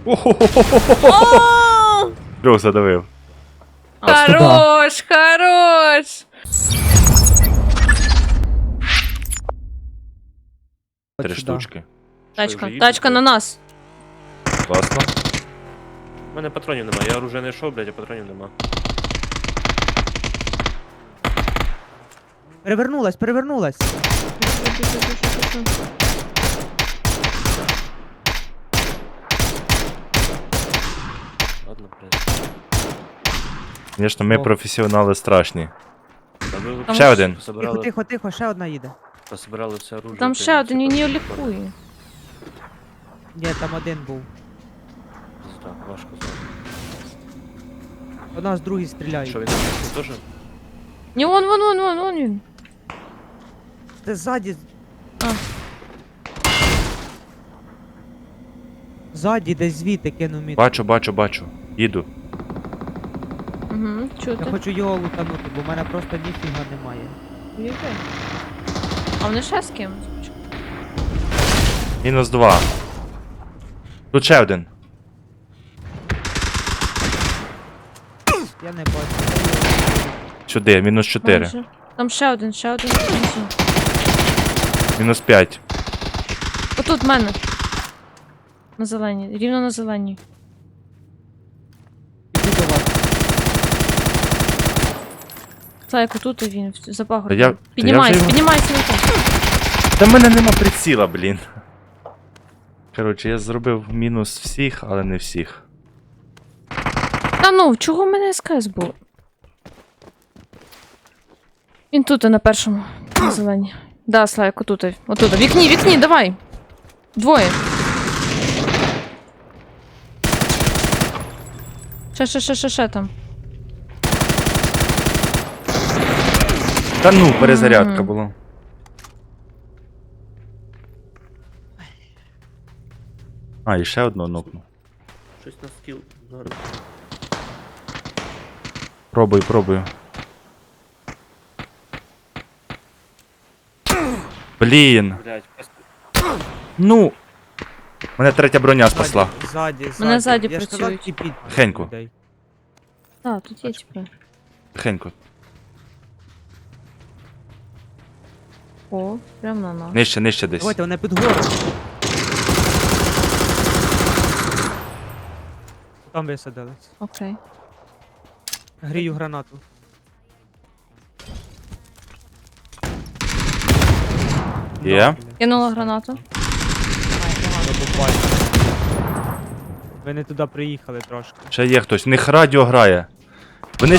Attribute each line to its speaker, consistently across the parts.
Speaker 1: О!
Speaker 2: Трьох задавив.
Speaker 1: Хорош, хорош!
Speaker 2: 3 штучки.
Speaker 1: Тачка,
Speaker 3: вже
Speaker 1: тачка
Speaker 3: їдете?
Speaker 1: на нас.
Speaker 2: Класно.
Speaker 3: У мене патронів нема, я оружие не йшов, блядь, а патронів нема.
Speaker 4: Перевернулась, перевернулась.
Speaker 3: Ладно, блядь.
Speaker 2: Звісно, ми
Speaker 4: О.
Speaker 2: професіонали страшні.
Speaker 3: Та ви
Speaker 1: Там
Speaker 2: Ще один.
Speaker 4: Тихо,
Speaker 3: Пособирали,
Speaker 4: тихо, тихо, ще одна їде.
Speaker 3: пособирали все оружие.
Speaker 1: Там
Speaker 3: та
Speaker 1: ще
Speaker 3: й
Speaker 1: один, він
Speaker 3: все
Speaker 1: її
Speaker 3: так.
Speaker 1: лікує.
Speaker 4: Ні, там один був.
Speaker 3: Пизда, важко знати.
Speaker 4: У нас другий стріляє.
Speaker 3: Що він теж?
Speaker 1: Ні, вон він.
Speaker 4: Ти ззаді.
Speaker 1: А.
Speaker 4: Ззаді десь звідти кинув мід.
Speaker 2: Бачу. Їду.
Speaker 1: Угу,
Speaker 4: Я
Speaker 1: чути.
Speaker 4: хочу його лутанути, бо в мене просто ніфіга немає.
Speaker 1: Їде. А вони ще з ким?
Speaker 2: -2. Тут ще один.
Speaker 4: Я не бачу.
Speaker 2: Сюди, -4.
Speaker 1: Майже. Там ще один. внизу.
Speaker 2: -5.
Speaker 1: Отут в мене. На зеленій, рівно на зеленій.
Speaker 4: Іду до вас.
Speaker 1: Слайк, отут і він, за
Speaker 2: Та
Speaker 1: пагорбом.
Speaker 2: я вже
Speaker 1: Піднімайся,
Speaker 2: його-
Speaker 1: піднімайся на те.
Speaker 2: Та в мене нема приціла, блін. Коротше, я зробив мінус всіх, але не всіх.
Speaker 1: Та ну, чого в мене СКС був? Він тут на першому. На зеленій. Да, Слайк, отут. Отут. Вікні, давай. Двоє. Ще там.
Speaker 2: Та ну, перезарядка була. А, і ще одну нокну.
Speaker 3: Щось на скіл. Зараз.
Speaker 2: Пробую. Блін.
Speaker 3: Блядь, просто...
Speaker 2: Ну. Мене третя броня спасла.
Speaker 4: Ззаді.
Speaker 1: Мене ззаді
Speaker 4: Я ж сказав,
Speaker 1: працюють.
Speaker 4: тіпіть
Speaker 2: Тихенько.
Speaker 4: людей.
Speaker 1: Так, тут є типу.
Speaker 2: Тихенько.
Speaker 1: О, прям на нас.
Speaker 2: Нижче десь.
Speaker 4: Давайте, вони під гору. Там висадились.
Speaker 1: Окей.
Speaker 4: Грію гранату.
Speaker 2: Є.
Speaker 4: Ну, блін.
Speaker 1: Кинула гранату.
Speaker 4: Це буквально. Ви не туди приїхали трошки.
Speaker 2: Ще є хтось. В них радіо грає. Вони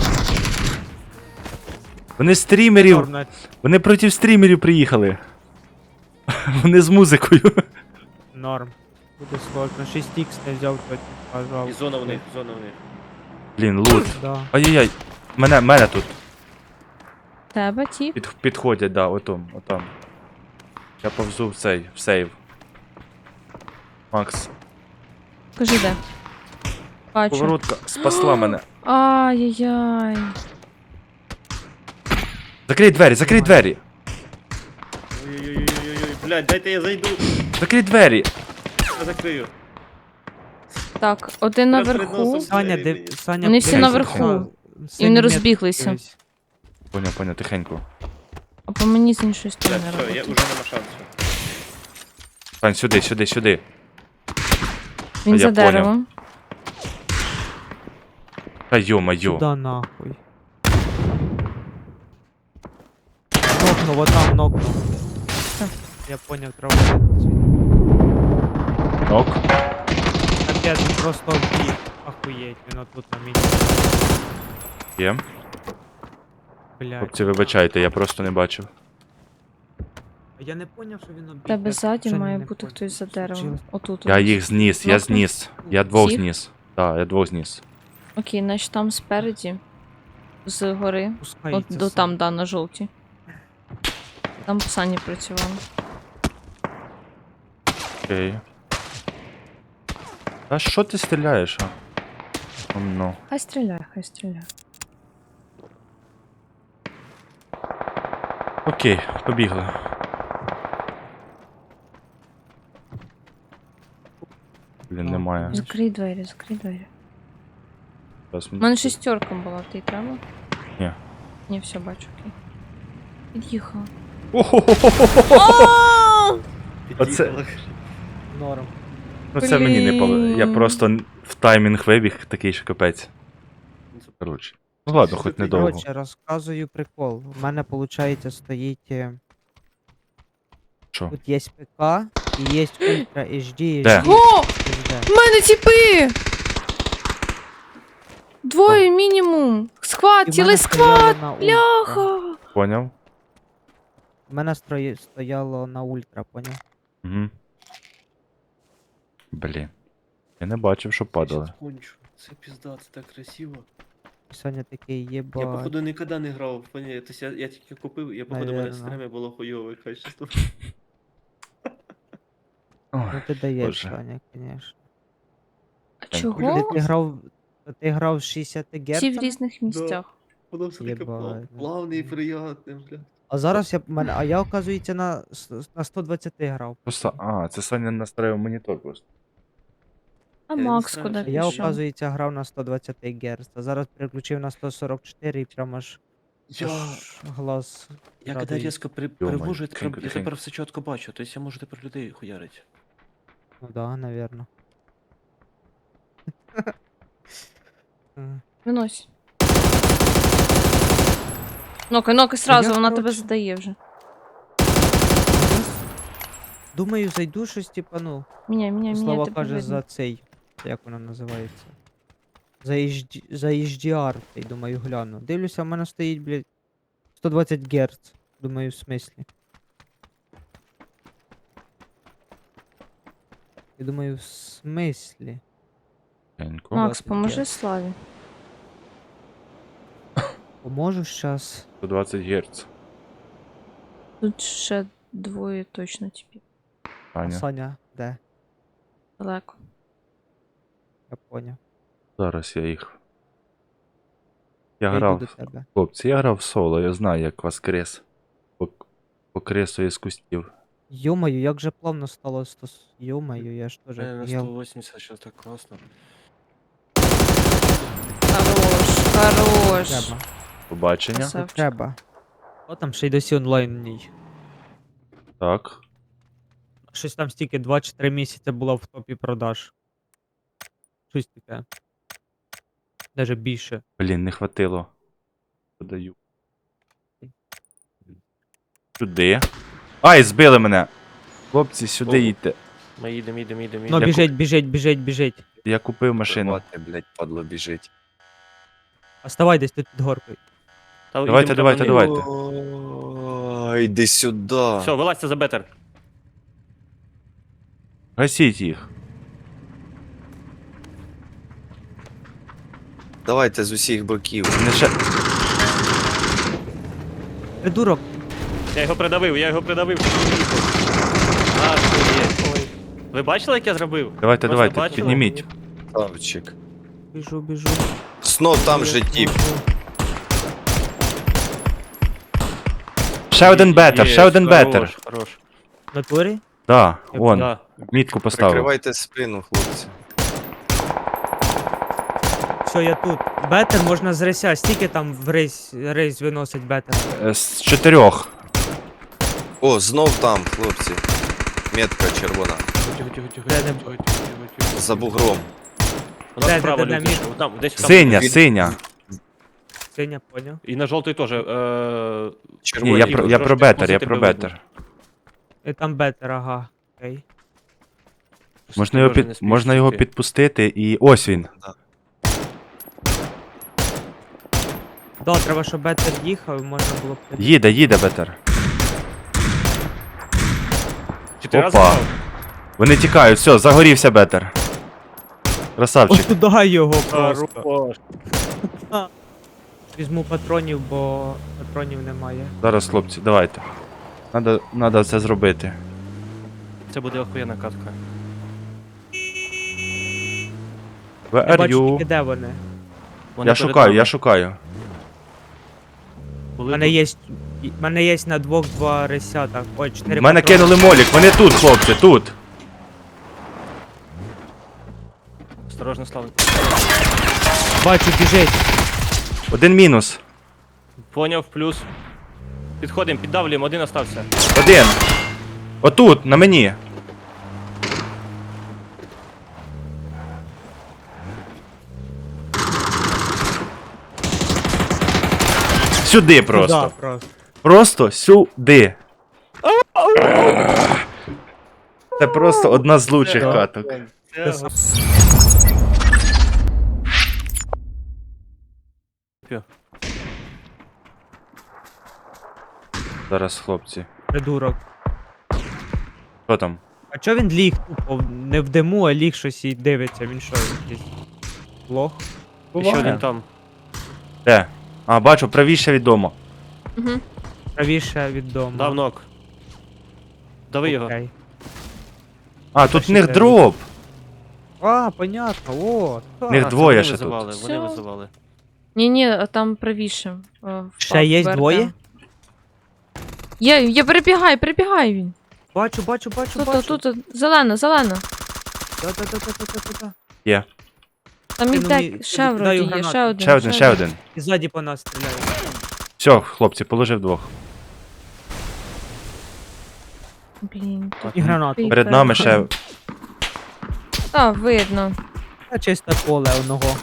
Speaker 2: Вони стрімерів.
Speaker 4: Норм,
Speaker 2: Вони проти стрімерів приїхали. Вони з музикою.
Speaker 4: норм. Буде сложно. 6х не взяв тоді,
Speaker 3: І
Speaker 4: пожалуйста.
Speaker 3: зона в них, зона в них.
Speaker 2: Блін, лут.
Speaker 4: Да.
Speaker 2: Ай-яй-яй. Мене тут.
Speaker 1: Тебе, тіп.
Speaker 2: Підходять, да, отам. Я повзу в сейв. Макс.
Speaker 1: Кажи де. Бачу.
Speaker 2: Поворотка спасла мене.
Speaker 1: Ай-яй-яй.
Speaker 2: Закрий двері.
Speaker 3: Ой-ой-ой-ой-ой, блядь, дайте я зайду.
Speaker 2: Закрий двері.
Speaker 3: Я закрию.
Speaker 1: Так, один
Speaker 3: Перед
Speaker 1: наверху.
Speaker 3: носом.
Speaker 4: Саня,
Speaker 1: Вони всі
Speaker 4: дивись,
Speaker 1: наверху.
Speaker 4: на
Speaker 1: І
Speaker 4: синій
Speaker 1: вони
Speaker 4: метр
Speaker 1: розбіглися.
Speaker 4: дивись.
Speaker 2: Поняв, тихенько.
Speaker 1: А по мені з іншої
Speaker 3: Блядь,
Speaker 1: сторони
Speaker 3: все, я
Speaker 1: робити.
Speaker 3: уже нема шансу.
Speaker 2: Сань, сюди.
Speaker 1: Він
Speaker 2: я
Speaker 1: за
Speaker 2: поняв.
Speaker 1: деревом.
Speaker 2: Та йо-майо.
Speaker 4: Сюда нахуй. Нокнув, отам нокнув.
Speaker 1: Так.
Speaker 4: Я поняв, треба звідти.
Speaker 2: Ок.
Speaker 4: Капець, він просто вбіг. Охуєть, він отут на місці.
Speaker 2: Є.
Speaker 4: Блядь.
Speaker 2: Хлопці, вибачайте, я просто не бачив.
Speaker 4: Я не поняв, що він обіг.
Speaker 1: Тебе
Speaker 4: Я
Speaker 1: ззаді
Speaker 4: взагалі
Speaker 1: має
Speaker 4: не
Speaker 1: бути
Speaker 4: поняв,
Speaker 1: хтось за
Speaker 4: що
Speaker 1: деревом.
Speaker 4: случилось.
Speaker 1: Отут.
Speaker 2: Я їх зніс, я зніс. Я двох
Speaker 1: Всіх?
Speaker 2: зніс. Так, я двох зніс.
Speaker 1: Окей, значить там спереді. З гори. От
Speaker 4: Пускається
Speaker 1: до
Speaker 4: сам.
Speaker 1: там, да, на жовтій. Там Сані працювали.
Speaker 2: Окей. Та що ти стріляєш, а? Ну.
Speaker 1: Хай стріляє.
Speaker 2: Окей, побігли. Блін, не немає.
Speaker 1: Закрий двері, закрий двері.
Speaker 2: Зараз
Speaker 1: У мене шестерка була, ти треба?
Speaker 2: Ні.
Speaker 1: Ні, все, бачу, окей. Під'їхала.
Speaker 2: Оце-
Speaker 4: Норм.
Speaker 2: Ну це мені не повезло. Я
Speaker 1: Блін.
Speaker 2: просто в таймінг вибіг, такий що капець. Коротше. Ну ладно, хоч недовго.
Speaker 4: Коротше, розказую прикол. У мене, виходить, стоїть.
Speaker 2: Що?
Speaker 4: Тут є ПК і є Ультра HD.
Speaker 2: Де?
Speaker 1: О!
Speaker 4: HD.
Speaker 1: В мене тіпи! Двоє мінімум! Сквад,
Speaker 4: І в
Speaker 1: цілий
Speaker 4: мене
Speaker 1: сквад!
Speaker 4: стояло на Ультра.
Speaker 1: Бляха!
Speaker 2: Поняв?
Speaker 4: У мене стояло на Ультра, поняв?
Speaker 2: Угу. Блін. Я не бачив, що падали.
Speaker 3: Щас кончу. Це пізда, це так красиво.
Speaker 4: І Соня такий єба.
Speaker 3: Я, походу, ніколи не грав в фоні. Тобто я тільки купив, я, походу, в мене в
Speaker 4: Наверно.
Speaker 3: стримі було хуйове качество.
Speaker 2: Ой,
Speaker 4: Ну ти даєш,
Speaker 2: Боже.
Speaker 4: Соня, звісно.
Speaker 1: А
Speaker 2: Ти
Speaker 1: чого?
Speaker 4: Ти грав 60 Гц?
Speaker 1: Всі в різних місцях.
Speaker 3: Воно все таке
Speaker 4: Єбать.
Speaker 3: плавне і приятне, бля.
Speaker 4: А зараз я, оказується, на 120 грав.
Speaker 2: Просто, це Саня настроїв монітор просто.
Speaker 1: А
Speaker 3: Я не
Speaker 1: Макс
Speaker 3: знаю,
Speaker 1: куди
Speaker 3: що
Speaker 4: Я,
Speaker 1: пішов?
Speaker 4: оказується, грав на 120 Гц, а зараз переключив на 144 і прямо аж глаз.
Speaker 3: Я коли
Speaker 4: радує.
Speaker 3: різко
Speaker 2: Ё-моё,
Speaker 3: привожу,
Speaker 2: тихенько,
Speaker 3: я
Speaker 2: тихенько.
Speaker 3: тепер все чітко бачу, тобто я можу тепер людей хуярити.
Speaker 4: Ну да, наверно.
Speaker 1: Винось. Нокай сразу,
Speaker 4: я,
Speaker 1: вона тебе
Speaker 4: коротше,
Speaker 1: задає вже.
Speaker 4: Думаю, зайду щось, типа, ну,
Speaker 1: Міняй,
Speaker 4: Слава
Speaker 1: тебе
Speaker 4: каже
Speaker 1: видно.
Speaker 4: за цей. Як воно називається? За HDR, я думаю, гляну. Дивлюся, в мене стоїть, блядь, 120 Гц. Думаю, в смислі. Я думаю, в смислі.
Speaker 2: Тихенько.
Speaker 1: Макс,
Speaker 4: 20
Speaker 1: поможи
Speaker 4: Гц.
Speaker 1: Славі.
Speaker 4: Поможу щас.
Speaker 2: 120 Гц.
Speaker 1: Тут ще двоє точно типів.
Speaker 4: А
Speaker 2: Саня.
Speaker 4: Саня, де?
Speaker 1: Далеко.
Speaker 4: Я поняв.
Speaker 2: Зараз я їх.
Speaker 4: Я
Speaker 2: Я
Speaker 4: йду
Speaker 2: грав.
Speaker 4: до тебе.
Speaker 2: Хлопці, я грав в соло, я знаю, як вас крес. По кресу із кустів.
Speaker 4: Йомаю, як же плавно стало 100... Йомаю, я ж теж
Speaker 3: На
Speaker 4: офігел.
Speaker 3: 180 зараз так класно.
Speaker 1: Хорош.
Speaker 4: Треба.
Speaker 2: Побачення.
Speaker 1: Красавчик.
Speaker 4: Треба. О, там ще й досі онлайн в ній.
Speaker 2: Так.
Speaker 4: Щось там стільки 2 чи 3 місяці була в топі продаж. Щось таке. Даже більше.
Speaker 2: Блін, не хватило. Подаю. Сюди. Ай, збили мене! Хлопці, сюди
Speaker 3: О.
Speaker 2: їдьте.
Speaker 3: Ми їдемо.
Speaker 4: Ну,
Speaker 2: Я
Speaker 4: біжить.
Speaker 2: Я купив машину.
Speaker 5: Давайте, блядь, падло біжить.
Speaker 4: Оставай десь тут під горкою.
Speaker 2: Давайте.
Speaker 5: Ой, йди сюди.
Speaker 3: Все, вилазьте за бетер.
Speaker 2: Гасіть їх.
Speaker 5: Давайте з усіх боків.
Speaker 2: Не ще...
Speaker 4: Придурок.
Speaker 3: Я його придавив. А, що є? Ой. Ви бачили, як я зробив?
Speaker 2: Давайте,
Speaker 3: Просто
Speaker 2: давайте,
Speaker 3: бачили?
Speaker 2: підніміть.
Speaker 5: Ставчик.
Speaker 4: Біжу.
Speaker 5: Знов там же тіп.
Speaker 2: Ще один бетер,
Speaker 3: Є,
Speaker 2: ще один бетер.
Speaker 3: Хорош.
Speaker 4: В натурі?
Speaker 2: Да, вон,
Speaker 3: Да.
Speaker 2: мітку поставив.
Speaker 5: Прикривайте спину, хлопці.
Speaker 4: Все, я тут. Бетер можна з рейся. Стільки там в рейс виносить бетер.
Speaker 2: З 4.
Speaker 5: О, знов там, хлопці. Метка червона.
Speaker 3: Тихо.
Speaker 5: За бугром.
Speaker 3: У нас
Speaker 4: Де,
Speaker 3: справа
Speaker 4: де,
Speaker 3: люди.
Speaker 4: мід?
Speaker 3: ще. Там, десь там.
Speaker 2: Синя,
Speaker 5: від-
Speaker 2: синя.
Speaker 4: Синя, поняв.
Speaker 3: І на жовтий теж.
Speaker 2: Ні,
Speaker 5: Червоні.
Speaker 2: я
Speaker 3: Ігор,
Speaker 2: про
Speaker 3: трошки
Speaker 2: бетер, я
Speaker 3: спустити
Speaker 2: про
Speaker 3: би видно.
Speaker 2: бетер.
Speaker 4: І там бетер, ага. Окей.
Speaker 2: Можна його підпустити і ось він.
Speaker 4: Да, треба, щоб бетер їхав, і можна було б...
Speaker 2: Їде бетер.
Speaker 3: 4 рази
Speaker 2: Опа.
Speaker 3: впав?
Speaker 2: Вони тікають, все, загорівся бетер. Красавчик.
Speaker 4: Ось туди його просто.
Speaker 3: Хорош.
Speaker 4: Візьму патронів, бо патронів немає.
Speaker 2: Зараз, хлопці, давайте. Надо це зробити.
Speaker 3: Це буде охуєнна катка.
Speaker 2: Where
Speaker 4: Я
Speaker 2: are
Speaker 4: бачу
Speaker 2: you?
Speaker 4: тільки де вони.
Speaker 3: Вони
Speaker 2: Я
Speaker 3: перед
Speaker 2: шукаю,
Speaker 3: нами.
Speaker 2: я шукаю.
Speaker 4: У
Speaker 3: Були
Speaker 4: мене
Speaker 3: тут.
Speaker 4: є... в мене є на двох 2 ресята. Ой, 4
Speaker 2: В мене кинули молік, вони тут, хлопці, тут.
Speaker 3: Осторожно, Славик.
Speaker 4: Бачу, біжить.
Speaker 2: Один мінус.
Speaker 3: Поняв, плюс. Підходимо, піддавлюємо, один остався.
Speaker 2: Один. Отут, на мені. Сюди просто.
Speaker 4: Да, просто.
Speaker 2: Просто сюди. Це просто одна з лучших
Speaker 3: Да.
Speaker 2: каток. Зараз, хлопці.
Speaker 4: Придурок.
Speaker 2: Що там?
Speaker 4: А чо він ліг тупо? Не в диму, а ліг щось і дивиться. Він що, якийсь лох?
Speaker 3: І ще один там.
Speaker 2: Де? А, бачу, правіше від дому.
Speaker 1: Угу.
Speaker 4: Правіше від дому.
Speaker 3: Дав нок. Дави його.
Speaker 4: Окей.
Speaker 2: А, тут в
Speaker 4: ще
Speaker 2: них
Speaker 4: треба.
Speaker 2: дроп.
Speaker 4: А, понятно, о. так.
Speaker 2: Них
Speaker 3: А, це
Speaker 2: двоє
Speaker 3: вони
Speaker 2: ще тут.
Speaker 3: визивали, Вони
Speaker 1: Всё.
Speaker 3: визивали.
Speaker 1: Ні, а там правіше. впав
Speaker 4: Ще є
Speaker 1: БРД.
Speaker 4: двоє?
Speaker 1: Є, перебігай він.
Speaker 4: Бачу.
Speaker 1: Тут, зелена.
Speaker 4: Да.
Speaker 2: Є.
Speaker 1: Там
Speaker 4: Ти,
Speaker 1: іде,
Speaker 4: ну,
Speaker 1: ще
Speaker 4: даю
Speaker 1: вроді є,
Speaker 4: гранату.
Speaker 1: ще один.
Speaker 2: Ще один.
Speaker 4: І ззаді по нас стріляє.
Speaker 2: Все, хлопці, положив двох.
Speaker 1: Блін, тут
Speaker 4: І гранату.
Speaker 2: Перед нами ще.
Speaker 1: Та, видно.
Speaker 4: Та чисте поле одного.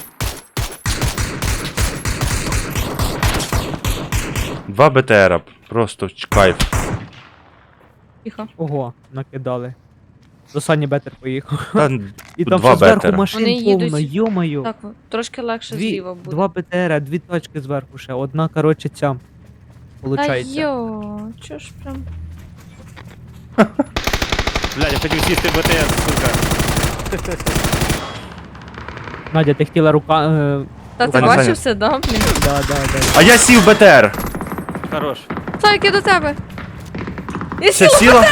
Speaker 2: Два БТРа. Просто кайф.
Speaker 1: Тихо.
Speaker 4: Ого, накидали. До Сані Бетер поїхав.
Speaker 2: Та,
Speaker 4: І
Speaker 2: Тут
Speaker 4: там
Speaker 2: два
Speaker 4: все зверху
Speaker 2: бетера.
Speaker 4: машин
Speaker 1: Вони їдуть.
Speaker 4: повно, йо-моє.
Speaker 1: Так, трошки легше зліва буде.
Speaker 4: Два БТРа, дві точки зверху ще. Одна, коротше, ця.
Speaker 1: Та
Speaker 4: Получається.
Speaker 1: йо, чо ж прям.
Speaker 3: Блядь, я хотів сісти в БТР, сука.
Speaker 4: Надя, ти хотіла рука.
Speaker 1: Та ти
Speaker 2: Саня,
Speaker 1: бачив
Speaker 2: Саня.
Speaker 1: все, да, блін?
Speaker 4: Да.
Speaker 2: А я сів в БТР.
Speaker 3: Хорош.
Speaker 1: Слайк, я до тебе. Я
Speaker 2: Все
Speaker 1: сіла.
Speaker 2: сіло?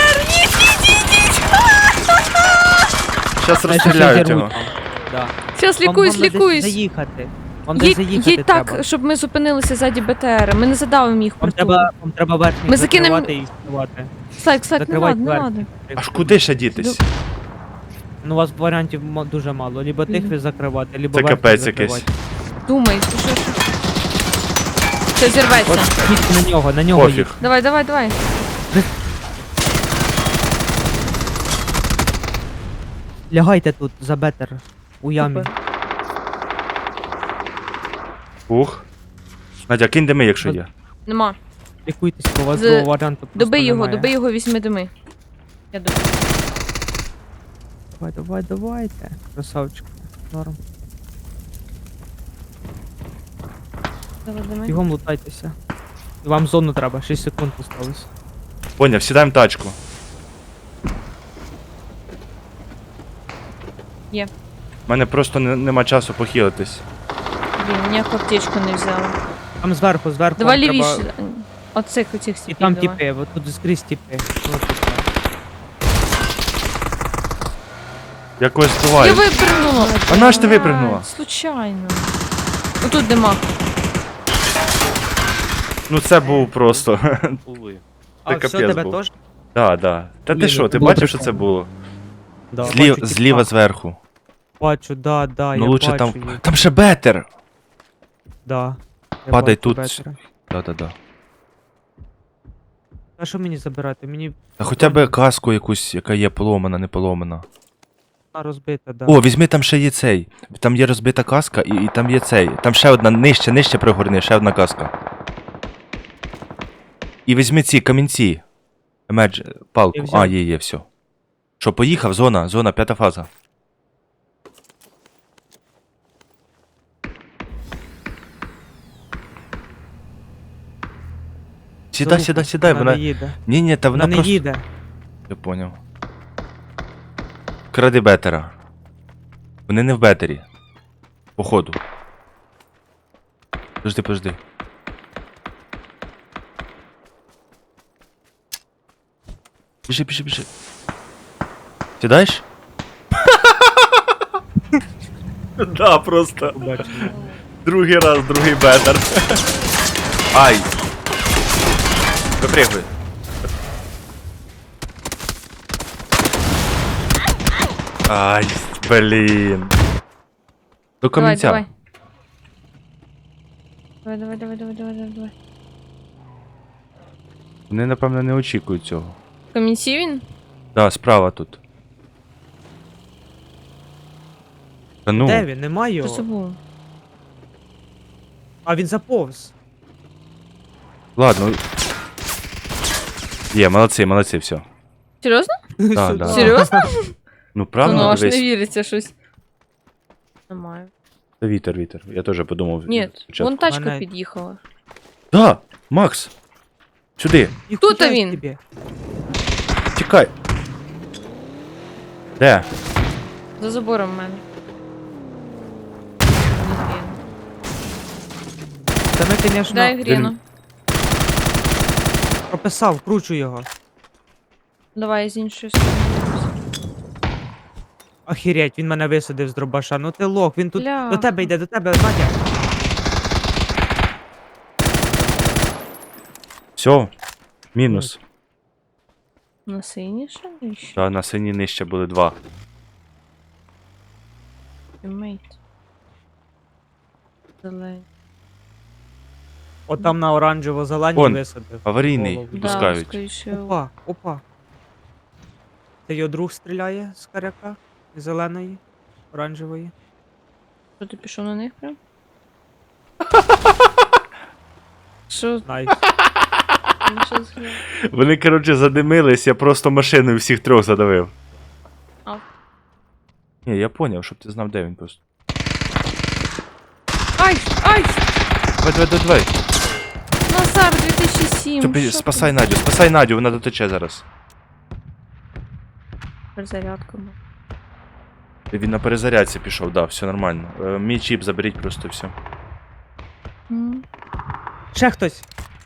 Speaker 2: Щас розстріляють його.
Speaker 4: Да.
Speaker 1: Щас
Speaker 4: Вам
Speaker 1: лікуюсь,
Speaker 4: десь
Speaker 1: лікуюсь.
Speaker 4: заїхати. Вам десь заїхати
Speaker 1: Їдь
Speaker 4: треба.
Speaker 1: так, щоб ми зупинилися ззаді БТР. Ми не задавимо їх
Speaker 4: Вам
Speaker 1: притул.
Speaker 4: треба верхніх
Speaker 1: Ми закинемо-
Speaker 4: закривати і вставати.
Speaker 1: Слайк, не
Speaker 4: закривати
Speaker 1: надо, не
Speaker 4: дверки.
Speaker 1: надо.
Speaker 2: Аж куди ще дітись?
Speaker 4: Ну, у вас варіантів дуже мало. Либо тих ви закривати, либо
Speaker 2: Це
Speaker 4: верхніх
Speaker 2: капець
Speaker 4: закривати.
Speaker 2: якийсь.
Speaker 1: Думай, ти що? Все, зірветься.
Speaker 4: От їдьте на нього
Speaker 2: Пофіг.
Speaker 4: їдь.
Speaker 1: Давай.
Speaker 4: Лягайте тут за Бетер. У ямі.
Speaker 1: Супер.
Speaker 2: Ух. Надя, кинь дими, якщо є.
Speaker 1: Нема.
Speaker 4: Лікуйтесь, бо у вас
Speaker 1: З-
Speaker 4: другого варіанту просто
Speaker 1: Доби його,
Speaker 4: немає.
Speaker 1: доби його, візьми дими. Я добив.
Speaker 4: Давайте. Красавчик. Норм.
Speaker 1: Давай дими.
Speaker 4: Бігом лутайтеся. І вам зону треба, 6 секунд осталось.
Speaker 2: Поняв, сідаємо в тачку.
Speaker 1: Є.
Speaker 2: У мене просто нема часу похилитись.
Speaker 1: Блін, ніяку аптечку не взяла.
Speaker 4: Там зверху
Speaker 1: Давай
Speaker 4: вам
Speaker 1: лівіше.
Speaker 4: треба-
Speaker 1: Оцих оцих
Speaker 4: І
Speaker 1: стіпів
Speaker 4: там
Speaker 1: давай.
Speaker 4: тіпи, от тут скрізь тіпи. Ну, тут так.
Speaker 2: Я когось
Speaker 1: Я
Speaker 2: збиваю.
Speaker 1: випрыгнула.
Speaker 2: А на що ти випрыгнула?
Speaker 1: Случайно. Отут дима.
Speaker 2: Ну це був просто.
Speaker 3: Увы.
Speaker 4: А,
Speaker 2: Це
Speaker 4: все,
Speaker 2: капець
Speaker 4: тебе
Speaker 2: був.
Speaker 4: теж?
Speaker 2: Да. Та ти
Speaker 4: Блін,
Speaker 2: що, ти
Speaker 4: було
Speaker 2: бачив, що це
Speaker 4: прикольно.
Speaker 2: було?
Speaker 4: Да.
Speaker 2: Зліва
Speaker 4: Бачу тіпа.
Speaker 2: зверху.
Speaker 4: Бачу, да,
Speaker 2: Ну
Speaker 4: я
Speaker 2: лучше
Speaker 4: бачу
Speaker 2: там.
Speaker 4: їх.
Speaker 2: Там ще бетер!
Speaker 4: Да. Я
Speaker 2: Падай
Speaker 4: бачу
Speaker 2: тут.
Speaker 4: Бетера.
Speaker 2: Да.
Speaker 4: А що мені забирати? Мені
Speaker 2: Та хоча б каску якусь, яка є поломана, не поломана.
Speaker 4: вона розбита, да.
Speaker 2: О, візьми там ще є цей. Там є розбита каска і там є цей. Там ще одна нижче пригорни, ще одна каска. І візьми ці камінці. Палку.
Speaker 4: Я взяв.
Speaker 2: А, є, все. Що, поїхав? Зона, 5 фаза. Сідай,
Speaker 4: Вона
Speaker 2: вона.
Speaker 4: не їде.
Speaker 2: Ні, та
Speaker 4: Вона
Speaker 2: вона
Speaker 4: не
Speaker 2: просто.
Speaker 4: їде.
Speaker 2: Я поняв. Кради бетера. Вони не в бетері. Походу. Подожди. Біжи. Сідаєш? Да, просто.
Speaker 4: Побачимо.
Speaker 2: Другий раз, другий бетер. Ай. Випригуй. Ай, блін. До
Speaker 1: Давай,
Speaker 2: камінця.
Speaker 1: давай. Давай.
Speaker 2: Вони, напевно, не очікують цього.
Speaker 1: В камінці він?
Speaker 2: Да, справа тут. Та ну,
Speaker 4: Де він? Нема
Speaker 1: Що
Speaker 4: його.
Speaker 1: це було?
Speaker 4: А він заповз.
Speaker 2: ладно. Є, молодці, все.
Speaker 1: Серйозно?
Speaker 2: Да,
Speaker 4: Сюди.
Speaker 2: да.
Speaker 1: Серйозно?
Speaker 2: Ну
Speaker 1: Ну,
Speaker 2: правильно,
Speaker 1: аж не
Speaker 2: дивись.
Speaker 1: віриться щось. Немає.
Speaker 2: Та вітер. Я теж подумав.
Speaker 1: Ні,
Speaker 2: спочатку.
Speaker 1: вон тачка
Speaker 4: Мене-
Speaker 1: під'їхала.
Speaker 2: Да, Макс! Сюди,
Speaker 4: Ніхуя
Speaker 1: Тут він.
Speaker 4: собі.
Speaker 2: тікай. Де?
Speaker 1: За забором в мене.
Speaker 4: Та ми, звісно,
Speaker 1: Дай гріну.
Speaker 4: прописав, кручу його.
Speaker 1: Давай з іншої сторони.
Speaker 4: Охереть, він мене висадив з дробаша. Ну ти лох, він тут
Speaker 1: Бля.
Speaker 4: до тебе йде, Надя.
Speaker 2: Все. Мінус.
Speaker 1: На синіше? І ще
Speaker 2: Да, на синій нижче були 2.
Speaker 1: тіммейт. Зелень.
Speaker 4: От там на оранжево-зеленій
Speaker 2: Вон.
Speaker 4: висадив.
Speaker 2: Аварійний.
Speaker 4: Голову.
Speaker 1: Да,
Speaker 2: Пускають.
Speaker 1: скоріше.
Speaker 4: Опа. Це його друг стріляє з каряка. Зеленої, оранжевої.
Speaker 1: Що ти пішов на них прям? Що?
Speaker 4: Найс.
Speaker 1: Ну, що з грі?
Speaker 2: Вони, коротше, задимились, я просто машиною всіх трьох задавив.
Speaker 1: А.
Speaker 2: Ні, я поняв, щоб ти знав, де він просто.
Speaker 1: Ай! Ай!
Speaker 2: Давай.
Speaker 1: Назар 2007.
Speaker 2: Тобі
Speaker 1: що
Speaker 2: спасай Надю, вона дотече зараз.
Speaker 1: Перезарядка.
Speaker 2: Він на перезарядці пішов, да, все нормально. Мій чіп заберіть просто все.
Speaker 4: Ще хтось.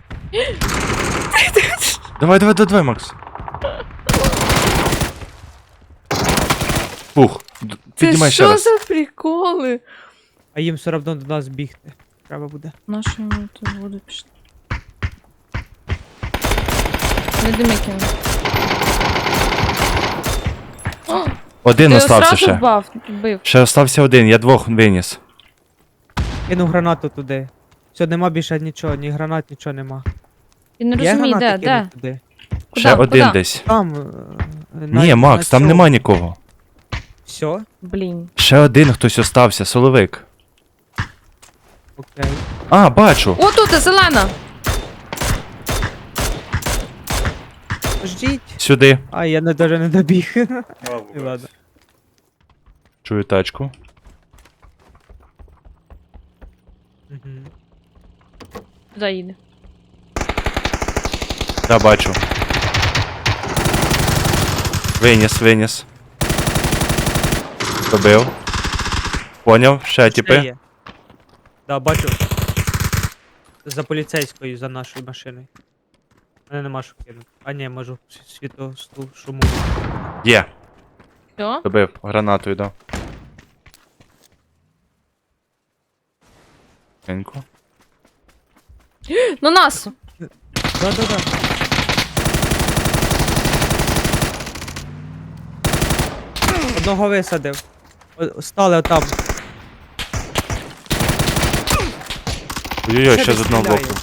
Speaker 2: Давай, Макс. Фух, піднімай
Speaker 1: Це
Speaker 2: ще
Speaker 1: що
Speaker 2: раз.
Speaker 1: за приколи?
Speaker 4: А їм все одно до нас бігти. Треба буде.
Speaker 1: Наші ми тут воду пішли. Не дими кину. О,
Speaker 2: Один
Speaker 1: ти його
Speaker 2: остався
Speaker 1: сразу
Speaker 2: ще.
Speaker 1: вбив.
Speaker 2: Ще остався один, я двох виніс.
Speaker 4: Кину гранату туди. Все, нема більше нічого, ні гранат, нічого нема.
Speaker 1: Він не
Speaker 4: Є
Speaker 1: розуміє,
Speaker 4: гранати
Speaker 1: де?
Speaker 4: кинуть туди?
Speaker 2: Ще один
Speaker 1: Куда?
Speaker 2: десь.
Speaker 4: Там.
Speaker 2: Ні, Макс, там нема нікого.
Speaker 4: Все?
Speaker 1: Блін.
Speaker 2: Ще один хтось остався, соловик.
Speaker 4: Окей.
Speaker 2: А, бачу.
Speaker 1: О, тут зелена!
Speaker 4: Ждіть.
Speaker 2: Сюди.
Speaker 4: А, я даже не добіг. І ладно.
Speaker 2: Чую тачку.
Speaker 4: Мгм.
Speaker 1: Туди їде.
Speaker 2: Да, бачу. Виніс. Добив. Поняв, ще
Speaker 4: Ще
Speaker 2: тіпи.
Speaker 4: є. Да, бачу. За поліцейською, за нашою машиною. Мене нема що кинути. А ні, можу світосту шуму.
Speaker 2: Є.
Speaker 1: Все?
Speaker 2: Добив, гранатою дав. Тихенько.
Speaker 1: На нас!
Speaker 4: Да. Одного висадив. Стали отам.
Speaker 2: Ой-ой-ой, ще
Speaker 4: Ще
Speaker 2: з одного
Speaker 4: стріляє.
Speaker 2: боку.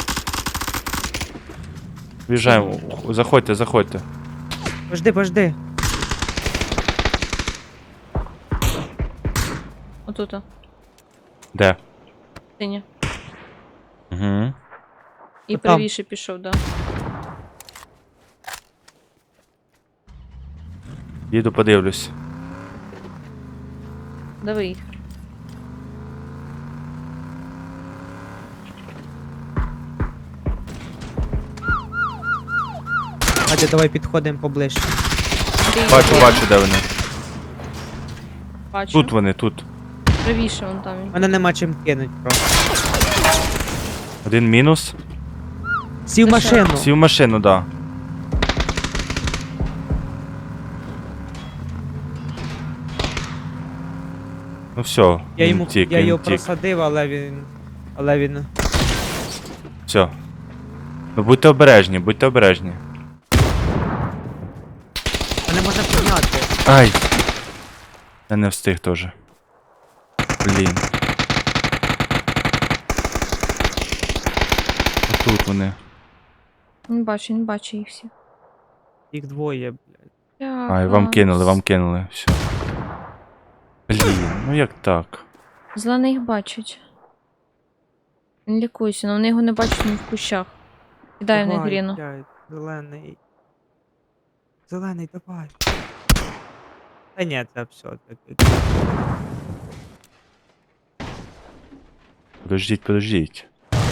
Speaker 2: В'їжджаємо. Заходьте.
Speaker 4: Пожди.
Speaker 1: Отут.
Speaker 2: Де?
Speaker 1: Синя.
Speaker 2: Угу.
Speaker 1: І
Speaker 4: Отам.
Speaker 1: правіше пішов, да.
Speaker 2: Їду подивлюсь.
Speaker 1: Дави їх.
Speaker 4: Надя, давай підходимо поближче.
Speaker 2: Бачу, де вони.
Speaker 1: Бачу.
Speaker 2: Тут вони, тут.
Speaker 1: Правіше вон там він.
Speaker 4: Мене нема чим кинуть просто.
Speaker 2: Один мінус.
Speaker 4: Сів в
Speaker 1: Це що?
Speaker 4: машину.
Speaker 2: Сів в машину, да. Ну все,
Speaker 4: Я його
Speaker 2: він тік.
Speaker 4: просадив, але він.
Speaker 2: Все. Ну будьте обережні.
Speaker 4: Мене можна підняти.
Speaker 2: Ай! Я не встиг теж. Блін. Тут вони.
Speaker 1: Він бачить їх всіх.
Speaker 4: Їх двоє, блядь.
Speaker 2: Ай, вам кинули, все. Блін, ну як так?
Speaker 1: Зелений їх бачить. Він лікується, але вони його не бачать ні в кущах. Кидає в них
Speaker 4: Давай,
Speaker 1: гріну.
Speaker 4: блядь, зелений. Зелений, давай. Та ні, це все таки.
Speaker 2: Подождіть.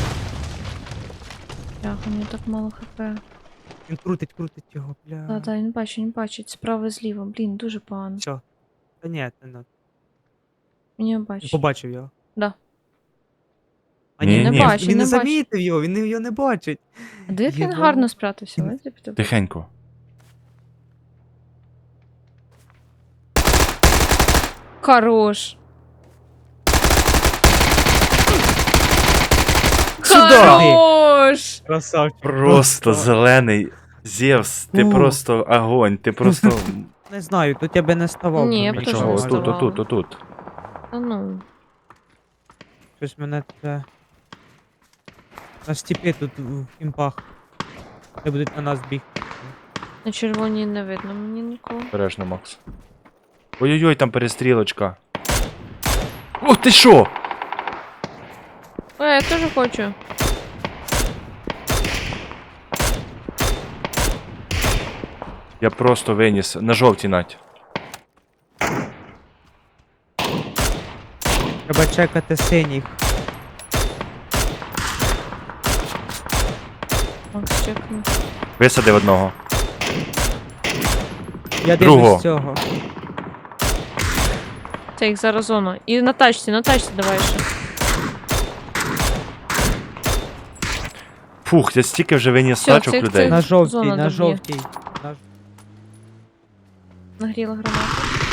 Speaker 1: Бляха, у нього так мало хп.
Speaker 4: Він крутить його, бля.
Speaker 1: Так, він бачить. Справа і зліва. Блін, дуже погано.
Speaker 4: Все. Та ні, це не.
Speaker 1: Він його
Speaker 4: Він
Speaker 1: бачить.
Speaker 4: побачив його.
Speaker 1: Да.
Speaker 4: А
Speaker 2: Ні,
Speaker 4: ні,
Speaker 2: ні.
Speaker 1: Не бачить,
Speaker 4: він
Speaker 1: не
Speaker 4: не
Speaker 1: бачить.
Speaker 4: замітив його, він його не бачить.
Speaker 1: А де як він
Speaker 4: Єба.
Speaker 1: гарно спрятався?
Speaker 4: Він-
Speaker 1: Ледь піти.
Speaker 2: Тихенько.
Speaker 1: Хорош.
Speaker 2: Сюда!
Speaker 1: Хорош!
Speaker 4: Красавчик.
Speaker 2: Просто зелений. Зевс, ти
Speaker 4: О.
Speaker 2: просто огонь, ти просто.
Speaker 4: Не знаю, тут я би не ставав.
Speaker 1: Ні,
Speaker 4: би
Speaker 1: я б
Speaker 4: мені
Speaker 1: теж
Speaker 2: Чого?
Speaker 1: не
Speaker 4: здавалося.
Speaker 1: ставала.
Speaker 2: Отут.
Speaker 1: Та ну.
Speaker 4: Щось мене це. На степі тут в кімпах. Де будуть на нас бігти.
Speaker 1: На червоній не видно мені нікого.
Speaker 2: Бережно, Макс. Ой-ой-ой, там перестрілочка. О, ти що?
Speaker 1: Я теж хочу.
Speaker 2: Я просто виніс. На жовтій Надь.
Speaker 4: Треба чекати синіх.
Speaker 1: Макс, чекни.
Speaker 2: Висадив одного.
Speaker 4: Я
Speaker 2: Другого.
Speaker 4: дивлюсь цього.
Speaker 1: Це їх зараз зона. І на тачці давай ще.
Speaker 2: Фух, я стільки вже виніс
Speaker 1: Всьо,
Speaker 2: тачок
Speaker 1: цих-
Speaker 2: людей.
Speaker 1: цих-
Speaker 4: На жовтій,
Speaker 1: Зона
Speaker 4: на
Speaker 1: доб'є.
Speaker 4: жовтій.
Speaker 1: Нагріла гранату.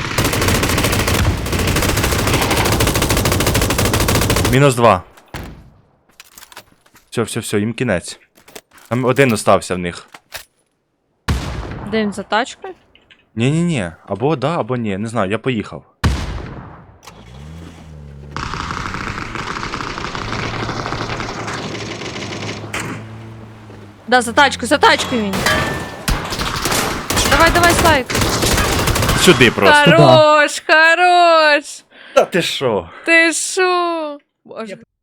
Speaker 2: -2. Все, їм кінець. Там один остався в них.
Speaker 1: Де він за тачкою?
Speaker 2: Ні. Або да, або ні. Не знаю, я поїхав.
Speaker 1: Да, за тачкою він. Давай, Слайк.
Speaker 2: Сюди просто.
Speaker 1: Хорош!
Speaker 2: Та ти що?
Speaker 1: Ти шо? Боже.